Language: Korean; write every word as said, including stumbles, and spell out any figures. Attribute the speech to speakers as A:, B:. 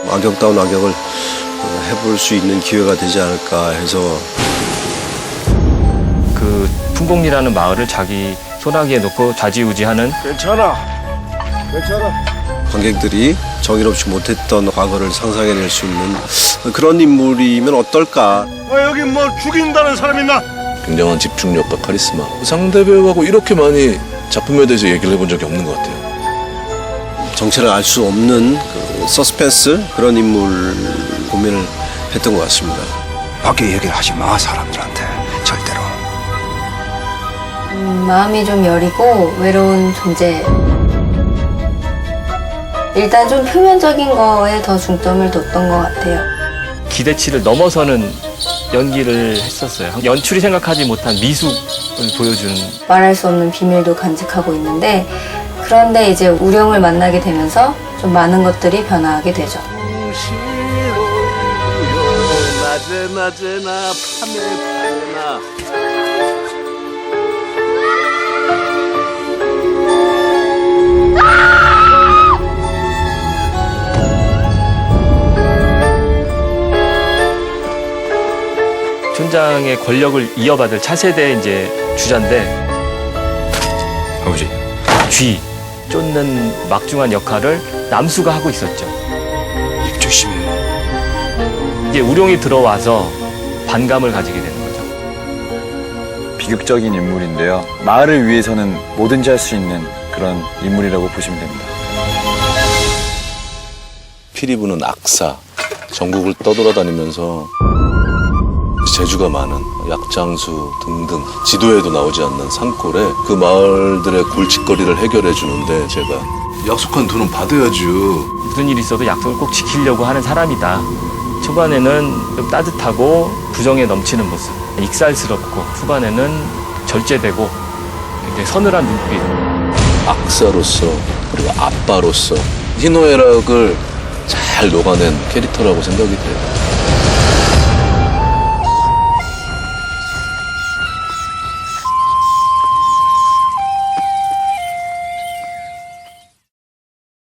A: 악역다운 악역을 해볼 수 있는 기회가 되지 않을까 해서.
B: 그 풍곡리라는 마을을 자기 소나기에 놓고 좌지우지하는
C: 괜찮아. 괜찮아.
A: 관객들이 정의롭지 못했던 과거를 상상해낼 수 있는 그런 인물이면 어떨까.
C: 아, 여기 뭐 죽인다는 사람 있나?
D: 굉장한 집중력과 카리스마. 상대 배우하고 이렇게 많이 작품에 대해서 얘기를 해본 적이 없는 것 같아요.
A: 정체를 알 수 없는 그 서스펜스 그런 인물 고민을 했던 것 같습니다.
E: 밖에 얘기를 하지 마, 사람들한테. 절대로.
F: 음, 마음이 좀 여리고 외로운 존재. 일단 좀 표면적인 거에 더 중점을 뒀던 것 같아요.
B: 기대치를 넘어서는 연기를 했었어요. 연출이 생각하지 못한 미숙을 보여주는.
F: 말할 수 없는 비밀도 간직하고 있는데, 그런데 이제 우령을 만나게 되면서 좀 많은 것들이 변화하게 되죠.
D: 낮에 낮에나 밤에 밤에나.
B: 촌장의 권력을 이어받을 차세대 이제 주자인데,
E: 아버지.
B: 쥐 쫓는 막중한 역할을 남수가 하고 있었죠.
E: 입 조심해.
B: 이제 우룡이 들어와서 반감을 가지게 되는 거죠.
G: 비극적인 인물인데요. 마을을 위해서는 뭐든지 할 수 있는 그런 인물이라고 보시면 됩니다.
D: 피리부는 악사, 전국을 떠돌아다니면서 재주가 많은 약장수 등등 지도에도 나오지 않는 산골에 그 마을들의 골칫거리를 해결해 주는데, 제가 약속한 돈은 받아야죠.
B: 무슨 일이 있어도 약속을 꼭 지키려고 하는 사람이다. 초반에는 좀 따뜻하고 부정에 넘치는 모습, 익살스럽고 후반에는 절제되고 굉장히 서늘한 눈빛.
D: 악사로서 그리고 아빠로서 희노애락을 잘 녹아낸 캐릭터라고 생각이 돼요.